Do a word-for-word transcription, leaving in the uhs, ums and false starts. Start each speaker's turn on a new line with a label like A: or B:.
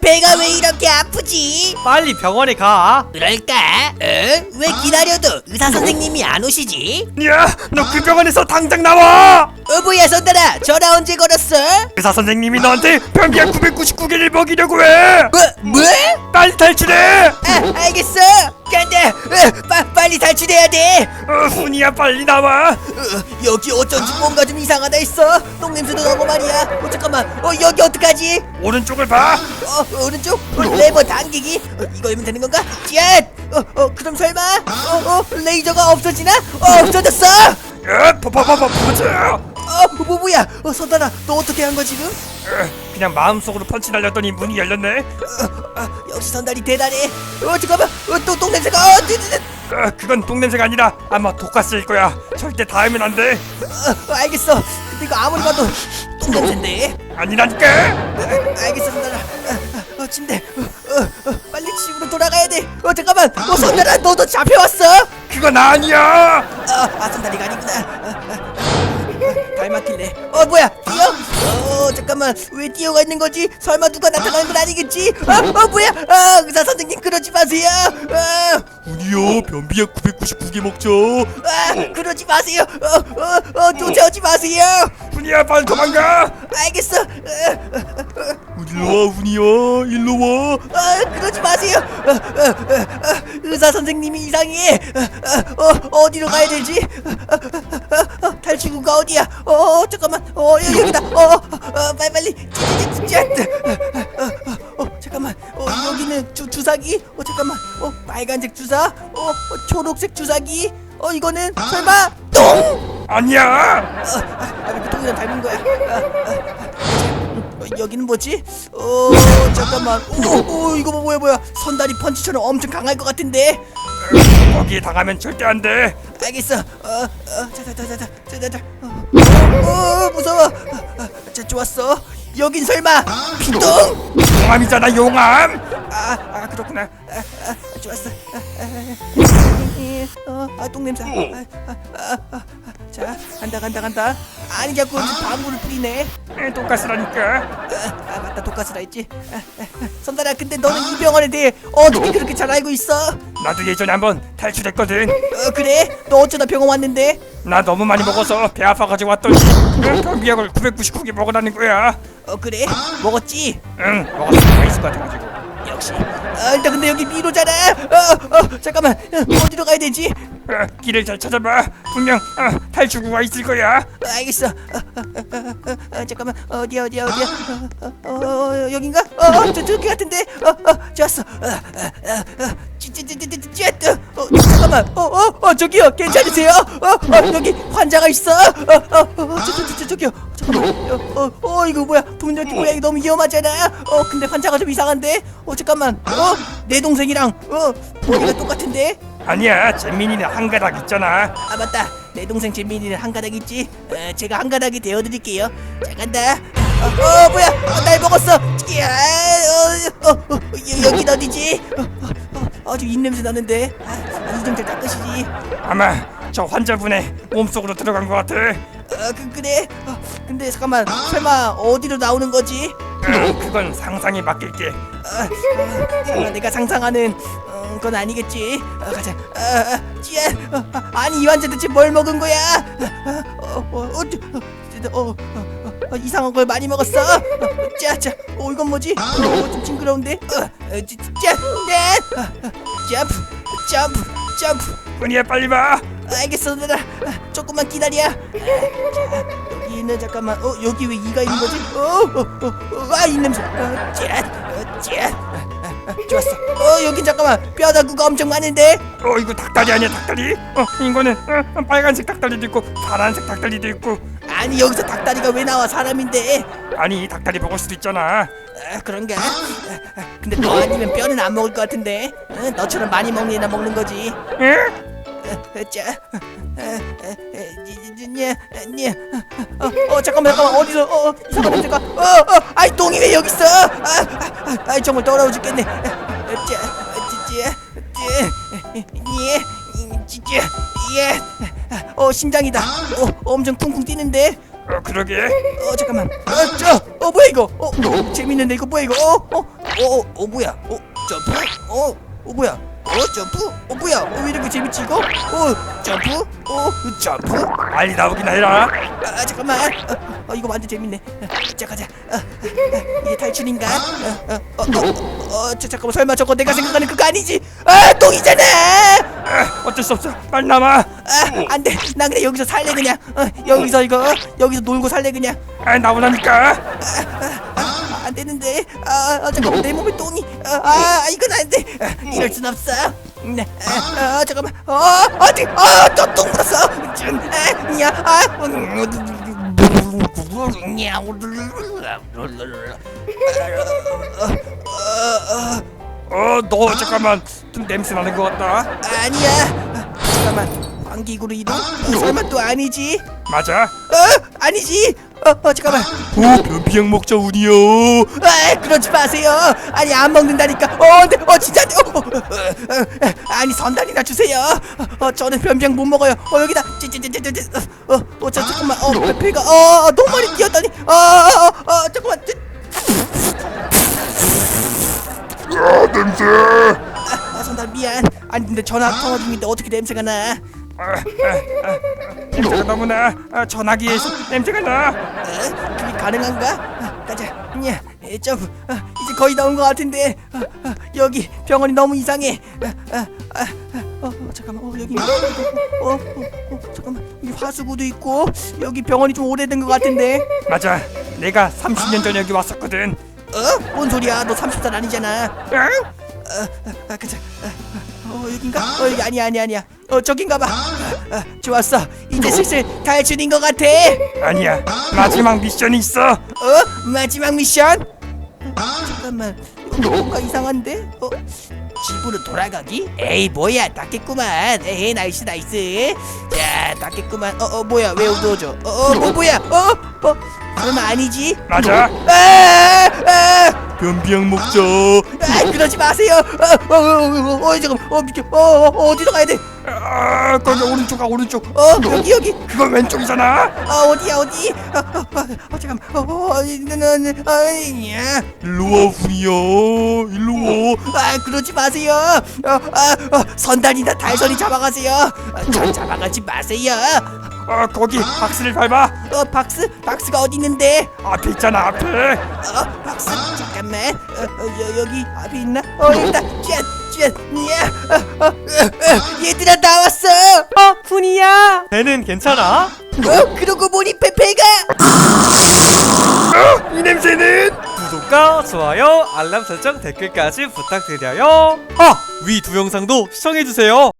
A: 배가 왜 이렇게 아프지?
B: 빨리 병원에 가.
A: 그럴까? 어? 왜 기다려도 의사 선생님이 안 오시지?
B: 야, 너 그 병원에서 당장 나와.
A: 어 뭐야 선달아, 전화 언제 걸었어?
B: 의사 선생님이 너한테 변비약 구백구십구 개를 먹이려고 해.
A: 뭐? 뭐?
B: 빨리 탈출해.
A: 아 알겠어. 간다. 어, 빠, 빨리 탈출해야 돼.
B: 어, 훈이야 빨리 나와.
A: 어, 여기 어쩐지 뭔가 좀 이상하다 했어. 똥냄새도 나고 말이야. 어 잠깐만. 어 여기 어떡하지?
B: 오른쪽을 봐.
A: 어 오른쪽? 어, 레버 당기기? 어, 이거면 되는 건가? 쨋! 어, 어 그럼 설마? 어, 어 레이저가 없어지나? 어 없어졌어!
B: 야, 파파파파 퍼져.
A: 어 뭐, 뭐야? 어 선달아 너 어떻게 한 거 지금?
B: 어, 그냥 마음속으로 펀치 날렸더니 문이 열렸네.
A: 어, 어, 역시 선달이 대단해. 어 잠깐만. 어, 또 똥냄새가. 어, 뜨, 뜨, 뜨.
B: 어, 그건 똥냄새가 아니라 아마 독가스일 거야. 절대 닿으면 안 돼.
A: 어, 어, 알겠어. 근데 이거 아무리 봐도 똥냄새인데.
B: 아니라니까.
A: 어, 알겠어 선달아. 어, 어, 침대. 어, 어, 어, 빨리 집으로 돌아가야 돼. 어 잠깐만. 어 선달아 너도 잡혀왔어?
B: 그건 아니야.
A: 아, 아 선달이가 아니구나. 아, 아, 아, 닮았길래. 어 뭐야? 뛰어? 어 잠깐만. 왜 뛰어가 있는 거지? 설마 누가 나타나는 건 아니겠지? 아, 어 뭐야? 아 의사 선생님 그러지 마세요. 아,
B: 훈이요, 변비약 구백구십구 개 먹죠.
A: 아 그러지 마세요. 어어어 어, 쫓아오지 마세요.
B: 훈이야 빨리 도망가.
A: 알겠어. 어,
B: 일로 와 훈이야, 일로 와.
A: 아 그러지 마세요. 어, 어, 어, 어, 의사 선생님이 이상해. 어, 어, 어, 어디로 가야 되지? 어, 어, 어, 어, 탈출구가 어디야? 어, 어 잠깐만. 어 여기, 여기다. 어, 어, 어 빨리 빨리. 찌찌찌찌. 어, 어, 어 잠깐만. 어 여기는 주 주사기. 어 잠깐만. 어 빨간색 주사. 어, 어 초록색 주사기. 어 이거는 설마 똥?
B: 아니야.
A: 아, 아, 이렇게 통이랑 닮은 거야. 아, 아, 아. 어, 여기는 뭐지? 어 잠깐만. 오, 오 이거 뭐, 뭐야 뭐야? 선다리 펀치처럼 엄청 강할 것 같은데.
B: 거기에 당하면 절대 안 돼.
A: 알겠어. 어, 어, 자자자자자, 자자자. 어, 어, 어 무서워. 어, 어, 자 좋았어. 여긴 설마 피똥?
B: 용암이잖아, 용암.
A: 아, 아 그렇구나. 아, 아, 좋았어. 아, 아, 아, 어, 아, 똥냄새. 아, 아, 아, 아, 아. 자, 간다, 간다, 간다. 아니 자꾸 방구를 뿌리네.
B: 에, 독가스라니까.
A: 아, 아 맞다, 독가스라 했지. 아, 아, 아. 선달아, 근데 너는 이 병원에 대해 어떻게 그렇게 잘 알고 있어?
B: 나도 예전에 한번 탈출했거든.
A: 어, 그래? 너 어쩌다 병원 왔는데?
B: 나 너무 많이 먹어서 배 아파가지고 왔더니 그 변비약을 구백구십구 개 먹으라는 거야.
A: 어, 그래? 먹었지?
B: 응, 먹었을 수가 있을 것 같아가지고.
A: 역시. 아, 일단 근데 여기 미로잖아. 어, 어, 잠깐만. 어, 어디로 가야 되지?
B: 어, 길을 잘 찾아봐. 분명 어, 탈출구가 있을 거야.
A: 어, 알겠어. 어, 어, 어, 어, 어, 잠깐만. 어디야, 어디야, 어디야? 어, 어, 어, 여긴가? 어, 어, 저, 저기 같은데. 어, 어, 좋았어. 어, 어, 어, 어, 찌찌찌찌찌찌. 어, 잠깐만. 어, 어, 어, 저기요. 괜찮으세요? 어, 어, 여기 환자가 있어. 어, 어, 어, 저, 저, 저, 저, 저기요. 잠깐만. 어, 어, 어, 이거 뭐야? 동료기 고양이 너무 위험하잖아. 어, 근데 환자가 좀 이상한데. 어, 잠깐만. 어, 내 동생이랑 어, 머리가 똑같은데.
B: 아니야, 재민이는 한 가닥 있잖아.
A: 아 맞다, 내 동생 재민이는 한 가닥 있지. 어, 제가 한 가닥이 되어드릴게요. 자 간다. 어, 어 뭐야? 어, 날 먹었어. 야, 어, 어, 어, 여, 여긴 어디지? 어, 어, 어, 아주 입냄새 나는데. 아, 이좀 잘 닦으시지.
B: 아마 저 환자분의 몸속으로 들어간 것 같아.
A: 어, 그 그래. 어, 근데 잠깐만, 설마 어디로 나오는 거지?
B: 어, 그건 상상에 맡길게.
A: 어, 어, 설마 내가 상상하는 어, 건 아니겠지. 어, 가자. 어, 어, 찌야. 어, 어, 아니 이 환자 대체 뭘 먹은 거야? 어, 어, 어, 어, 어, 어, 어, 어, 이상한 걸 많이 먹었어. 어, 짜짜. 어 이건 뭐지? 어, 좀 징그러운데. 어, 어, 찌, 짜, 네. 어, 어, 점프, 점프, 점프.
B: 훈이야 빨리 봐.
A: 알겠어, 얘들아. 아, 조금만 기다려. 아, 자, 여기는 잠깐만. 어, 여기 왜 이가 있는 거지? 어, 어, 어, 어 아, 이 냄새. 어, 짠, 어, 짠. 아, 아, 아, 좋았어. 어, 여긴 잠깐만. 뼈다구가 엄청 많은데.
B: 어, 이거 닭다리 아니야, 닭다리? 어, 이거는 어, 빨간색 닭다리도 있고 파란색 닭다리도 있고.
A: 아니 여기서 닭다리가 왜 나와? 사람인데.
B: 아니 닭다리 먹을 수도 있잖아.
A: 아, 그런가? 아, 아, 근데 너 아니면 뼈는 안 먹을 것 같은데. 어, 너처럼 많이 먹는 애나 먹는 거지.
B: 응?
A: 자, 어, 어, 잠깐만, 잠깐만, 어디서, 어, 어, 잠깐만, 잠깐, 어, 어, 아이 똥이 왜 여기 있어? 아, 아, 아, 아이 정말 더러워 죽겠네. 자, 찌찌, 찌, 예, 찌찌, 예, 어, 심장이다. 어, 엄청 쿵쿵 뛰는데.
B: 어, 그러게.
A: 어, 잠깐만, 어, 저, 어, 뭐야 이거? 어, 재밌는데 이거 뭐야 이거? 어, 어, 어, 어 뭐야? 어 점프? 어, 어 뭐야? 어 점프? 어 뭐야? 어, 왜 이렇게 재밌지 이거? 어 점프? 어 점프?
B: 빨리 나오기나 해라.
A: 아 잠깐만. 어, 어 이거 완전 재밌네. 어, 자 가자. 어, 어, 어, 이게 탈출인가? 어, 어, 어, 어, 어, 저, 잠깐만 설마 저거 내가 생각하는 그거 아니지? 아 똥이잖아.
B: 아, 어쩔 수 없어. 빨리 남아.
A: 아 안돼. 나 그냥 여기서 살래 그냥. 어, 여기서 이거 어, 여기서 놀고 살래 그냥.
B: 아, 나오라니까.
A: 아, 안 되는데. 아, 아 잠깐만 내 몸에 똥이. 아, 아 이건 안 돼. 아, 이럴 순 없어. 네. 아, 아 잠깐만. 어 어디? 아또똥 묻었어. 좀. 아, 야. 아.
B: 어, 너 잠깐만. 좀 냄새 나는 것 같다.
A: 아니야. 아, 잠깐만. 방귀구로 이동? 어, 설마 또 아니지?
B: 맞아.
A: 어 아니지. 어, 어 잠깐만.
B: 오, 변비약 먹자 우니요.
A: 아 그러지 마세요. 아니 안 먹는다니까. 어, 근데 어 진짜. 어, 어, 어, 어, 어, 아니 선단이나 주세요. 어, 어 저는 변병 못 먹어요. 어 여기다. 찌찌찌찌찌. 어, 어, 어, 저 잠깐만. 어, 배가 어, 어 너무 많이 뛰었더니. 어, 어, 어, 어 잠깐만. 찌-
B: 아, 냄새.
A: 아, 아 선단 미안. 아니 근데 전화 통화 중인데 어떻게 냄새가 나?
B: 아, 아, 아, 냄새가 너무 나. 아, 전화기에서 냄새가 나.
A: 어? 그게 가능한가? 아, 가자. 야, 에, 점프. 아, 이제 거의 나온 것 같은데. 아, 아, 여기 병원이 너무 이상해. 아, 아, 아, 아, 어, 어, 잠깐만. 어, 여기. 어, 어, 어, 어, 잠깐만. 여기 화수구도 있고 여기 병원이 좀 오래된 것 같은데.
B: 맞아. 내가 삼십 년 전에 여기 왔었거든.
A: 어? 뭔 소리야? 너 삼십 살 아니잖아.
B: 응?
A: 어, 아, 아, 가자. 아, 아, 어, 여긴가? 어, 여기 아니야, 아니야, 아니야. 어, 저긴가 봐. 아, 아, 좋았어. 이제 슬슬 탈출인 것 같아.
B: 아니야. 마지막 미션이 있어.
A: 어? 마지막 미션? 어, 잠깐만. 여기 뭔가 이상한데? 어? 집으로 돌아가기? 에이 뭐야 닦겠구만. 에이 나이스 나이스. 자 닦겠구만. 어어 뭐야 왜 어두워져? 어어 뭐 뭐야? 어? 어? 설마 아니지?
B: 맞아.
A: 아! 아!
B: 변비약 먹자.
A: 아 그러지 마세요. 어, 어, 어, 어, 어, 잠깐, 어, 미켜, 어, 어, 어, 어디로 가야 돼?
B: 아, 거기 오른쪽 가 오른쪽.
A: 어, 여기, 여기.
B: 그건 왼쪽이잖아.
A: 어, 어디야, 어디? 어, 어, 어, 어 잠깐, 어, 어, 어, 는, 아니야.
B: 일로 와 훈이야. 일로 와.
A: 아, 그러지 마세요. 어, 아, 어, 선단이나 달선이 잡아가세요. 어, 저 잡아가지 마세요.
B: 아, 거기 박스를 밟아.
A: 어, 박스, 박스가 어디 있는데?
B: 앞에 있잖아 앞에.
A: 어, 박스, 잠깐만. 어, 어, 여, 여기 앞에 있나? 어, 여기다. 짠, 짠, 야, 어, 어, 어, 어, 얘들아 나왔어.
C: 어, 훈이야. 배는 괜찮아?
A: 어, 그러고 보니 페페가.
B: 어, 이 냄새는.
C: 구독과 좋아요, 알람 설정, 댓글까지 부탁드려요. 아, 위 두 영상도 시청해주세요.